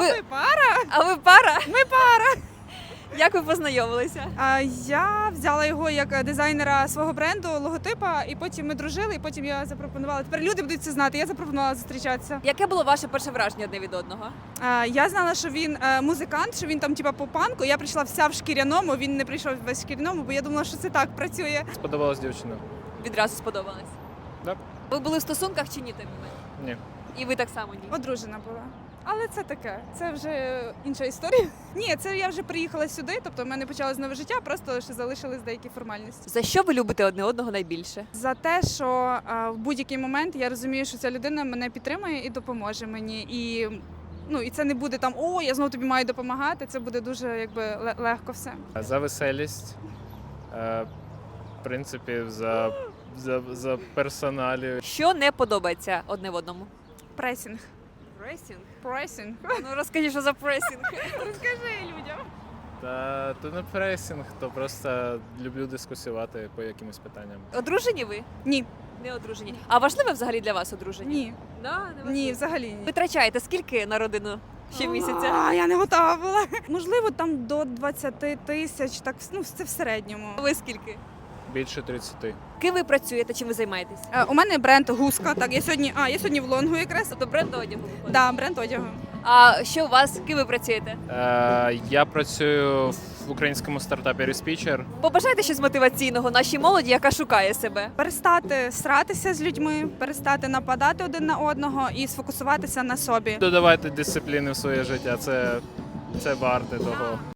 Ми пара. А ви пара? Ми пара. Як ви познайомилися? Я взяла його як дизайнера свого бренду, логотипа, і потім ми дружили, і потім я запропонувала. Тепер люди будуть це знати. Я запропонувала зустрічатися. Яке було ваше перше враження одне від одного? Я знала, що він музикант, що він там типа по панку. Я прийшла вся в шкіряному. Він не прийшов весь в шкіряному, бо я думала, що це так працює. Сподобалась дівчина? Відразу сподобалось? Так. Ви були в стосунках чи ні той момент? Ні. І ви так само ні? Одружена була. Але це таке, це вже інша історія. Ні, це я вже приїхала сюди, тобто в мене почалось нове життя, просто ще залишились деякі формальності. За що ви любите одне одного найбільше? За те, що в будь-який момент я розумію, що ця людина мене підтримує і допоможе мені. І це не буде там о, я знову тобі маю допомагати. Це буде дуже легко все. За веселість, в принципі, за персоналію. Що не подобається одне в одному? Пресінг. Пресінг? Пресінг. Ну розкажіть, що за пресінг. Розкажи людям. Та то не пресінг, то просто люблю дискусувати по якимось питанням. Одружені ви? Ні. Не одружені. А важливе взагалі для вас одруження? Ні. Да, не важливо. Ні, взагалі ні. Витрачаєте скільки на родину щомісяця? Я не готова була. Можливо, там до 20 тисяч, так це в середньому. Ви скільки? Більше 30. Ким ви працюєте, чим ви займаєтесь? У мене бренд Гуска. Так, я сьогодні в Лонгу якраз. Тобто бренд одягу виходить? Да, бренд одягу. А що у вас? Ким ви працюєте? Я працюю в українському стартапі Reспічер. Побажайте щось мотиваційного нашій молоді, яка шукає себе. Перестати сратися з людьми, перестати нападати один на одного і сфокусуватися на собі. Додавайте дисципліни в своє життя, це варте того.